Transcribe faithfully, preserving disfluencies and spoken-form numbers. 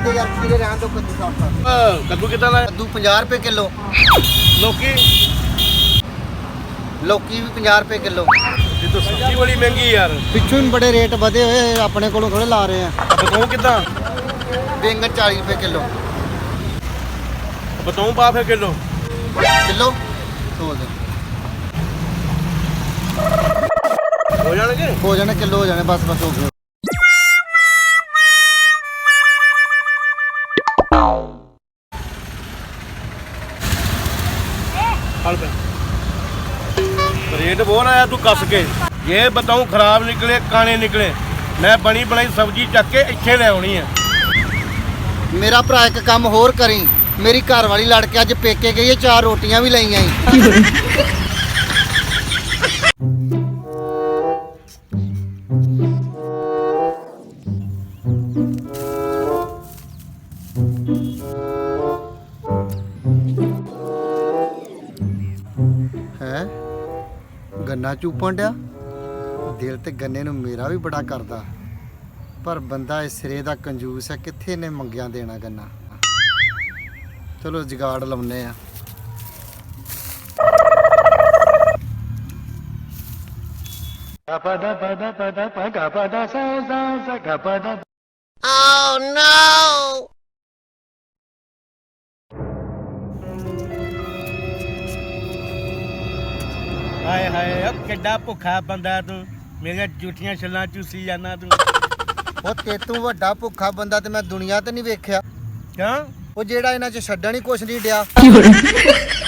ਦੇ ਯਾਰ ਖੀਰੇ ਰਹਿਣ ਦੋ ਕੱਦੂ ਸਾਫ ਕਰ। ਕੱਦੂ ਕਿੱਦਾਂ ਦਾ? ਕੱਦੂ ਪੰਜਾਹ ਰੁਪਏ ਕਿਲੋ। ਲੋਕੀ ਲੌਕੀ ਵੀ ਪੰਜਾਹ ਰੁਪਏ ਕਿਲੋ। ਇਹ ਤਾਂ ਸਬਜ਼ੀ ਬੜੀ ਮਹਿੰਗੀ ਯਾਰ। ਪਿੱਛੋਂ ਹੀ ਬੜੇ ਰੇਟ ਵਧੇ ਹੋਏ, ਆਪਣੇ ਕੋਲੋਂ ਥੋੜੇ ਲਾ ਰਹੇ ਆ। ਬਤਾਉ ਕਿੱਦਾਂ? ਬੈਂਗਣ ਚਾਲੀ ਰੁਪਏ ਕਿਲੋ। ਬਤਾਉ ਪਾ ਫੇ ਕਿਲੋ ਕਿਲੋ ਹੋ ਜਾ ਹੋ ਜਾਣਗੇ ਹੋ ਜਾਣੇ ਕਿਲੋ ਹੋ ਜਾਣੇ ਬਸ ਬਸ ਹੋ ਗਏ। ਹਲ ਪੈ ਰੇਟ ਬਹੁਤ ਆਇਆ ਤੂੰ ਕੱਸ ਕੇ। ਇਹ ਬਤਾਉ ਖਰਾਬ ਨਿਕਲੇ ਕਾਣੇ ਨਿਕਲੇ, ਮੈਂ ਬਣੀ ਬਣਾਈ ਸਬਜ਼ੀ ਚੱਕ ਕੇ ਇੱਥੇ ਲੈ ਆਉਣੀ ਆ। ਮੇਰਾ ਭਰਾ ਇੱਕ ਕੰਮ ਹੋਰ ਕਰੀ, ਮੇਰੀ ਘਰ ਵਾਲੀ ਲੜ ਕੇ ਅੱਜ ਪੇਕੇ ਗਈ ਹੈ, ਚਾਰ ਰੋਟੀਆਂ ਵੀ ਲਈਆਂ ਈ। ਹੈ ਗੰਨਾ ਚੂਪਣ ਡਿਆ। ਦਿਲ ਤੇ ਗੰਨੇ ਨੂੰ ਮੇਰਾ ਵੀ ਬੜਾ ਕਰਦਾ, ਪਰ ਬੰਦਾ ਇਸ ਸਿਰੇ ਦਾ ਕੰਜੂਸ ਹੈ, ਕਿੱਥੇ ਨੇ ਮੰਗਿਆ ਦੇਣਾ ਗੰਨਾ। ਚਲੋ ਜਗਾੜ ਲਾਉਨੇ ਆ। Oh no! ਹਾਏ ਹਾਏ ਓ ਕਿੱਡਾ ਭੁੱਖਾ ਬੰਦਾ ਤੂੰ, ਮੇਰੀਆਂ ਝੂਠੀਆਂ ਛੱਲਾਂ ਚੂਸੀ ਜਾਣਾ ਤੂੰ। ਉਹ ਤੇਤੋਂ ਵੱਡਾ ਭੁੱਖਾ ਬੰਦਾ ਤੇ ਮੈਂ ਦੁਨੀਆ ਤੇ ਨਹੀਂ ਵੇਖਿਆ। ਕਿਉਂ? ਉਹ ਜਿਹੜਾ ਇਹਨਾਂ 'ਚ ਛੱਡਣ ਹੀ ਕੁਛ ਨਹੀਂ ਡਿਆ।